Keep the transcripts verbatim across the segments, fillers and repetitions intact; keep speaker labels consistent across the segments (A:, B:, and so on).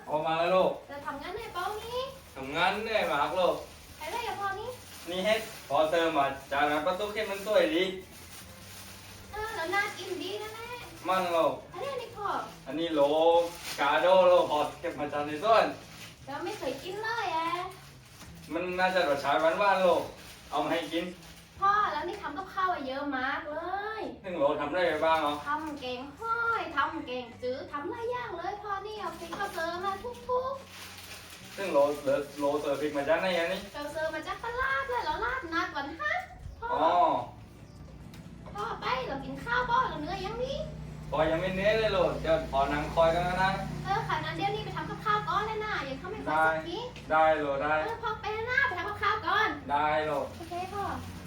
A: ออกมาแล้วลูก
B: จะทำงานไหนเปล่านี่
A: ทำงานได้มากลูก
B: ไปได้ยังพอนี่
A: นี่เฮ็ดพอเติมมาจากนั้นประตูเข้มมันสวยดี
B: เออแล้วน่ากินดีนะแม่
A: มันลูก
B: อันนี้นี่พอ
A: อันนี้โลกาโดโลพอเก็บมาจากในส่วน
B: แล้วไม่เคยกินเลยอ่ะ
A: มันน่าจะรสชาติหวานๆลูกเอามาให้กิน
B: พ่อแล้วนี่ทำกับข้าวเยอะมากเลย
A: ซึ่งโลทำได้ไปบ้างเหรอ
B: ทำเก่งห้อยทำเก่งจื้อทำหลายอย่างเลยพ่อนี่เอาพริกเอาเซอร์มาทุกๆ
A: ซึ่งโลเหลือโลเซอร์พริกมาจากไหนอันนี้
B: เราเซอร์มาจากตลาดเลยเราลาดนัดวันฮะพ่อพ่อไปเรากินข้าวพ่อเราเนื้อยังนี้
A: พอยังไม่เน้เลยลูกเดี๋ยวพอนั่งคอยกันนะ
B: เออค่ะนั้นเดี๋ยวนี้ไปทำกับข้าวก่อนเลยนะยังเข้าไม่ค่อยสักที
A: ได้โลได้
B: เออพ่อไปนะไปทำกับข้าวก่อน
A: ได้โล
B: โอเคพ่อ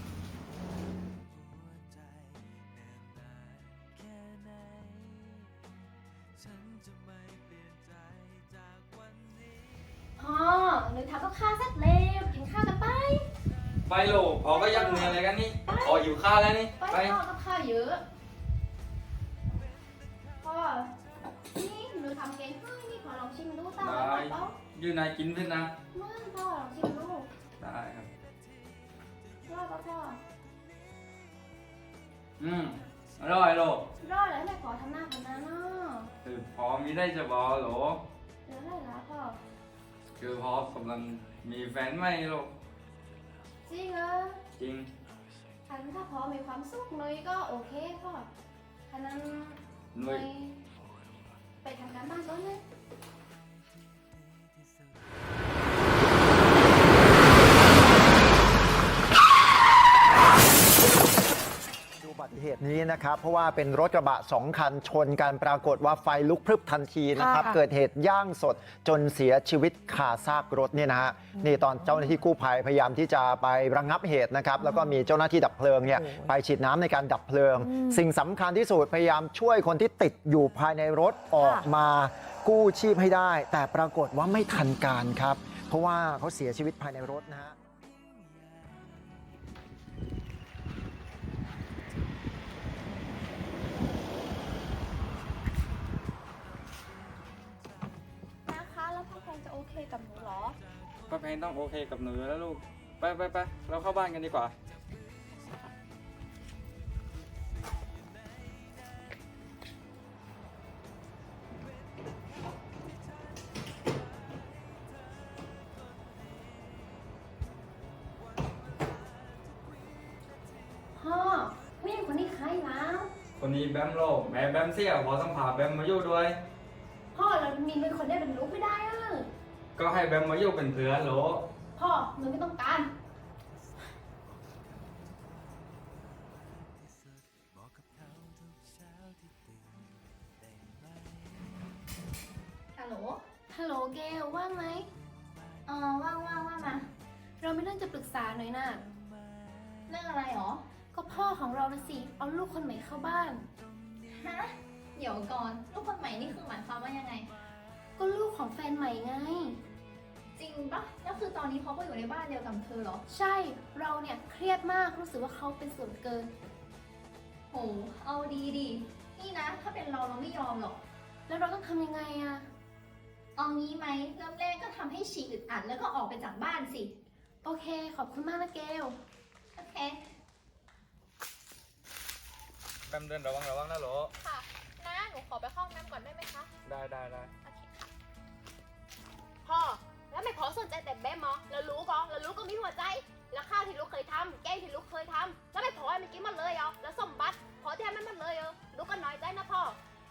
B: พ่อหนูทำกับข้าวเสร็จแล้วกินข้าวกันไป
A: ไปลูกพอก็ยักเนื้ออะไรกันนี่พออยู่ข้าวแล้วนี่
B: ไปพ่อกับข้าวเยอะพ่อนี่หนูทำเก่งให้นี่ขอลองชิมดูตามได้เปล่า
A: อยู่ไหนกินเพื่อนนะ
B: ไม่พ่อลองชิมดู
A: ได้ครับ
B: รอดป่ะพ่อ
A: อืมอร่อยลูก
B: รอดแล้วแม่ขอทำหน้าคนนั้นเนาะ
A: คือพอมีได้จะบอกหรอ
B: เดี๋ยวได้ละพ่อ
A: คือพอกำลังมีแฟนใหม่ลูก
B: จริงเหรอ
A: จริง
B: ถ้าถ้าพอมีความสุขหน่อยก็โอเคพ่อฉะนั้นหน่อยไปทำการบ้านก่อนเลย
C: อุบัติเหตุนี้นะครับเพราะว่าเป็นรถกระบะสองคันชนกันปรากฏว่าไฟลุกพรึบทันทีนะครับเกิดเหตุย่างสดจนเสียชีวิตคาซากรถเนี่ยนะฮะนี่ตอนเจ้าหน้าที่กู้ภัยพยายามที่จะไประงับเหตุนะครับแล้วก็มีเจ้าหน้าที่ดับเพลิงเนี่ยไปฉีดน้ำในการดับเพลิงสิ่งสำคัญที่สุดพยายามช่วยคนที่ติดอยู่ภายในรถออกมากู้ชีพให้ได้แต่ปรากฏว่าไม่ทันการครับเพราะว่าเขาเสียชีวิตภายในรถนะฮะ
B: โอเคกับหนูเหรอ
A: ป้าเพนต้องโอเคกับหนูแล้วลูกไปไปไปเราเข้าบ้านกันดีกว่า
B: พ่อผู้หญิงคนนี้ใครแล้ว
A: คนนี้แบมโลกแม่แบมเสี่ยวพอต้องพาแบมมาอยู่ด้วย
B: พ่อเรามีเป็นคนได้เป็นลูกไม่ได้เออ
A: ก็ให้แบมมาอยู่เป็นเพื่อนโหล
B: พ่อหนูไม่ต้องการฮัลโหลฮัลโหลเกลว่างไหมอ๋อว่างว่างว่างมาเราไม่เรื่องจะปรึกษาหน่อยนะเรื่องอะไรหรอก็พ่อของเรานะสิเอาลูกคนใหม่เข้าบ้านฮะเดี๋ยวก่อนลูกคนใหม่นี่คือหมายความว่ายังไงก็ลูกของแฟนใหม่ไงจริงปะแล้วคือตอนนี้เขาก็อยู่ในบ้านเดียวกับเธอเหรอใช่เราเนี่ยเครียดมากรู้สึกว่าเขาเป็นส่วนเกินโหเอาดีดีนี่นะถ้าเป็นเราเราไม่ยอมหรอกแล้วเราต้องทำยังไงอะเอางี้ไหมเริ่มแรกก็ทำให้ฉี่อึดอัดแล้วก็ออกไปจากบ้านสิโอเคขอบคุณมากนะเกลโอเค
A: แบมเดินระวังระวังนะโหล
B: ค่ะน้าหนูขอไปห้องน้ำก่อนได้ไหมคะ
A: ได้ได้ได้
B: โอเคค่ะพ่อแล้วไม่พอสนใจแต่แบมเหรอแล้วรู้ก็แล้วรู้ก็มีหัวใจแล้วข้าวที่ลูกเคยทำแกงที่ลูกเคยทำแล้วไม่พอให้มันกินมันเลยเหรอแล้วสมบัติพอที่ให้มันมันเลยเหรอลูกก็น้อยใจนะพ่อ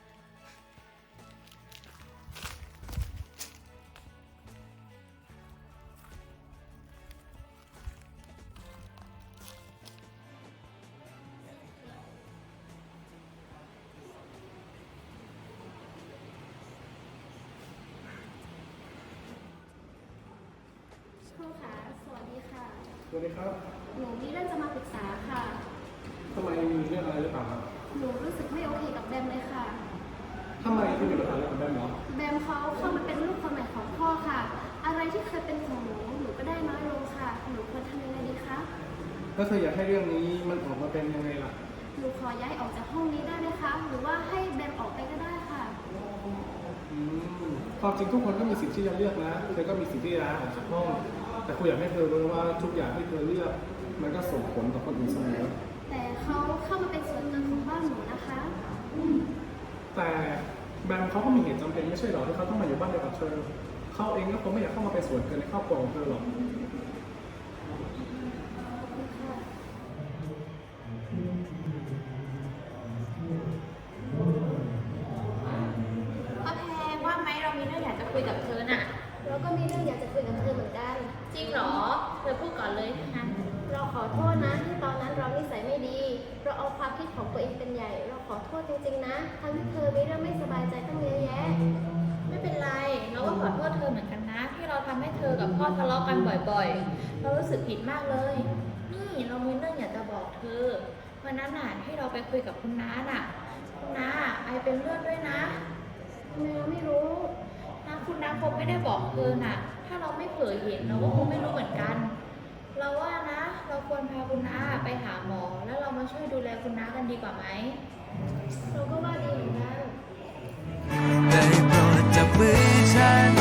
B: ครูคะสวัสดีค่ะ
D: สวัสดีครับ
B: หนูมีเรื่องจะมาปรึกษาค่ะ
D: ทำไมมีเรื่องอะไรหรือเปล่าครับ
B: หนูรู้สึกไม่โอเคกับแบมเลยค่ะ
D: ทำไมคุณมีปัญหาอะไรกับแบมเหรอ
B: แบมเขาเข้ามาเป็นลูกคนใหม่ของพ่อค่ะอะไรที่เคยเป็นของหนูหนูก็ได้น้อยลงค่ะหนูควรทำยังไงดีคะ
D: แล้วเธออยากให้เรื่องนี้มันออกมาเป็นยังไงล่ะ
B: หนูขอย้ายออกจากห้องนี้ได้ไหมคะหรือว่าให้แบมออกไปก็ได้ค่ะ
D: อืมความจริงทุกคนก็มีสิทธิ์ที่จะเลือกนะเธอก็มีสิทธิ์ที่จะลาออกจากห้อง แต่ครูอยากให้เธอรู้ว่าทุกอย่างที่เธอเลือก มันก็ส่งผลต่อคนอื่นเสมอ
B: แต่เขาเข้ามาเป็นส่วนหนึ่งของบ้านหนูนะคะ
D: แต่แบมเขาก็มีเหตุจำเป็นไม่ใช่หรอที่เขาต้องมาอยู่บ้านเดียวกับเธอ เขาเองก็คงไม่อยากเข้ามาเป็นส่วนเกินในครอบครัวของเธอหรอก
B: พ่อแพรว่าไหมเรามีเรื่องอยากจะคุยกับเธอน่ะ
E: เราก็มีเรื่องอยากจะคุยกับเธอเหมือนกัน
B: จริงเหรอ เธอพูดก่อนเลยงั้น
E: เราขอโทษนะที่ตอนนั้นเรานิสัยไม่ดี เราเอาความคิดของตัวเองเป็นใหญ่ เราขอโทษจริงๆนะทั้งที่เธอมีเรื่องไม่สบายใจตั้งเยอะแยะ
B: ไม่เป็นไร เราก็ขอโทษเธอเหมือนกันนะ ที่เราทำให้เธอกับพ่อทะเลาะกันบ่อยๆ เรารู้สึกผิดมากเลย นี่เรามีเรื่องอยากจะบอกเธอ วันนั้นน่ะที่เราไปคุยกับคุณน้าน่ะ คุณน้าไอเป็นเลือดด้วยนะ
E: ทำไมเราไม่รู้
B: นะคุณน้าคงไม่ได้บอกเธอน่ะ ถ้าเราไม่เผยเห็นเราก็คงไม่รู้เหมือนกัน เราว่านะ เราควรพาคุณน้าไปหาหมอ แล้วเรามาช่วยดูแลคุณน้ากันดีกว่าไหม
E: เราก็ว่าดีเหมือนกัน
F: ได้โปรดจับมือฉัน